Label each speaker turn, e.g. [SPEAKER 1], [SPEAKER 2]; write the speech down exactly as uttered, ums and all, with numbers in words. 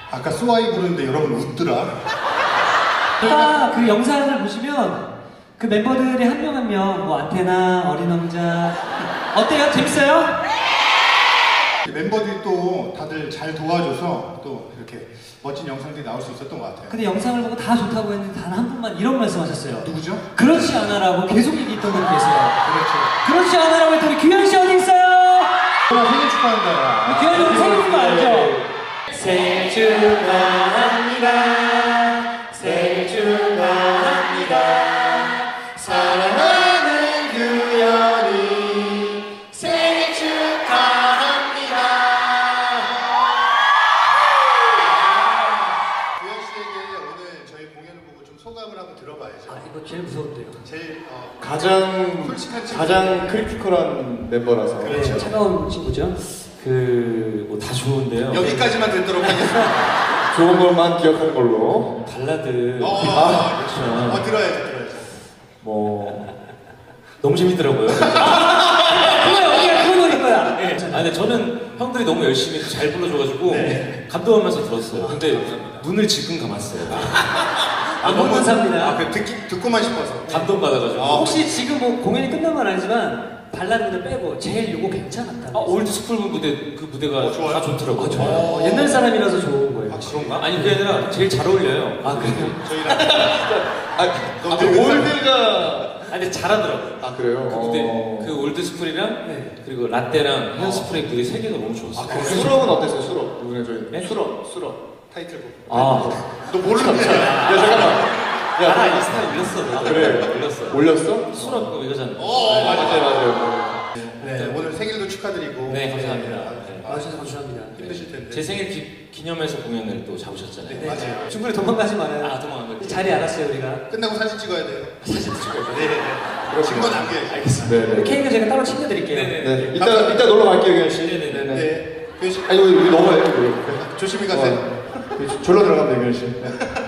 [SPEAKER 1] 아까 스와이 부르는데 여러분 웃더라.
[SPEAKER 2] 아까 그 영상을 보시면 그 멤버들이 한 명 한 명 뭐 안테나, 어린 왕자 어때요? 재밌어요?
[SPEAKER 1] 멤버들이 또 다들 잘 도와줘서 또 이렇게 멋진 영상들이 나올 수 있었던 것 같아요.
[SPEAKER 2] 근데 영상을 보고 다 좋다고 했는데 단 한 분만 이런 말씀하셨어요.
[SPEAKER 1] 누구죠?
[SPEAKER 2] 그렇지 않아라고 계속 얘기했던 분이 계세요.
[SPEAKER 1] 그렇죠.
[SPEAKER 2] 그렇지 않아라고 했더니 규현 씨 어디 있어요?
[SPEAKER 1] 정말 생일 축하한다.
[SPEAKER 2] 규현이 형 생일인 거 알죠? 생일 축하합니다. 생일 축하합니다. 사랑하는 규현이 생일 축하합니다.
[SPEAKER 1] 규현 씨에게 오늘 저희 공연을 보고 좀 소감을 한번 들어봐야죠.
[SPEAKER 2] 아 이거 제일 무서운데요.
[SPEAKER 1] 제일 어,
[SPEAKER 3] 가장
[SPEAKER 1] 솔직한 친구.
[SPEAKER 3] 가장 크리티컬한 멤버라서.
[SPEAKER 1] 그렇죠.
[SPEAKER 2] 네, 차가운 친구죠.
[SPEAKER 4] 그 뭐 다 좋은데요.
[SPEAKER 1] 여기까지만 듣도록 하겠습니다.
[SPEAKER 3] 좋은 것만 기억하는 걸로.
[SPEAKER 4] 발라드.
[SPEAKER 1] 어,
[SPEAKER 4] 아,
[SPEAKER 1] 그렇죠.
[SPEAKER 4] 그렇죠.
[SPEAKER 1] 어, 들어야죠, 들어야죠.
[SPEAKER 4] 뭐 너무 재밌더라고요.
[SPEAKER 2] 그거야, 우리가 그거 노릴 거야.
[SPEAKER 4] 네. 아 근데 저는 형들이 너무 열심히 잘 불러줘가지고
[SPEAKER 1] 네.
[SPEAKER 4] 감동하면서 들었어요. 근데 눈을 지금 감았어요.
[SPEAKER 2] 아, 너무 감사합니다.
[SPEAKER 1] 아, 그 듣기, 듣고만 싶어서.
[SPEAKER 4] 감동 받아가지고.
[SPEAKER 1] 아,
[SPEAKER 2] 혹시 지금 뭐 공연이 끝난 건 아니지만 발라드를 빼고 제일 요거 괜찮았다.
[SPEAKER 4] 아 올드 스쿨 무대 그 무대가
[SPEAKER 1] 어, 좋아요?
[SPEAKER 4] 다 좋더라고요.
[SPEAKER 2] 어, 옛날 사람이라서 좋은 거예요.
[SPEAKER 1] 아, 그런가?
[SPEAKER 4] 아니 그게 아니라 제일 잘 어울려요.
[SPEAKER 2] 아 그래요?
[SPEAKER 1] 저희랑.
[SPEAKER 3] 아,
[SPEAKER 1] 너무
[SPEAKER 3] 아, 그
[SPEAKER 1] 늙은
[SPEAKER 3] 올드가.
[SPEAKER 4] 아니 근데 잘하더라고요.
[SPEAKER 3] 아 그래요?
[SPEAKER 4] 그 무대
[SPEAKER 3] 어.
[SPEAKER 4] 그 올드 스쿨이랑
[SPEAKER 2] 네.
[SPEAKER 4] 그리고 라떼랑 헤어스프레이 무대 세 개가 너무 좋았어요.
[SPEAKER 3] 아, 그럼 수럽은 어땠어요? 수럽 누구네 저희?
[SPEAKER 4] 네?
[SPEAKER 3] 수럽, 수럽.
[SPEAKER 1] 타이틀곡.
[SPEAKER 4] 아
[SPEAKER 1] 너 모르는데.
[SPEAKER 3] 야 잠깐만. 야,
[SPEAKER 4] 알아 인스타에 올렸어.
[SPEAKER 3] 아, 그래.
[SPEAKER 4] 올렸어.
[SPEAKER 3] 올렸어?
[SPEAKER 4] 수럽 그거 이거잖아.
[SPEAKER 1] 어, 맞아.
[SPEAKER 3] 맞아요, 맞아요.
[SPEAKER 1] 네, 오늘 생일도 축하드리고.
[SPEAKER 4] 네 감사합니다.
[SPEAKER 1] 네,
[SPEAKER 4] 네.
[SPEAKER 2] 아 진짜 감사합니다.
[SPEAKER 1] 힘드실 텐데.
[SPEAKER 4] 제 생일 기, 기념해서 공연을 또 잡으셨잖아요.
[SPEAKER 1] 네, 맞아요.
[SPEAKER 2] 중간에 도망가지 말아요.
[SPEAKER 4] 아 도망간 거.
[SPEAKER 2] 자리 알았어요 우리가.
[SPEAKER 1] 끝나고 사진 찍어야 돼요.
[SPEAKER 4] 사진 찍어요.
[SPEAKER 1] 네, 네. 증거 남겨야죠.
[SPEAKER 4] 알겠습니다.
[SPEAKER 3] 네, 네.
[SPEAKER 2] 케이크 제가 따로 챙겨드릴게요.
[SPEAKER 4] 네네.
[SPEAKER 3] 네, 이따 이따 놀러 갈게요, 규현 씨.
[SPEAKER 4] 네네네.
[SPEAKER 1] 네. 규현 씨.
[SPEAKER 3] 아니 우리 우리 넘어가요, 우리.
[SPEAKER 1] 조심히 가세요.
[SPEAKER 3] 어, 졸로 들어가면 돼, 규현 씨. 네.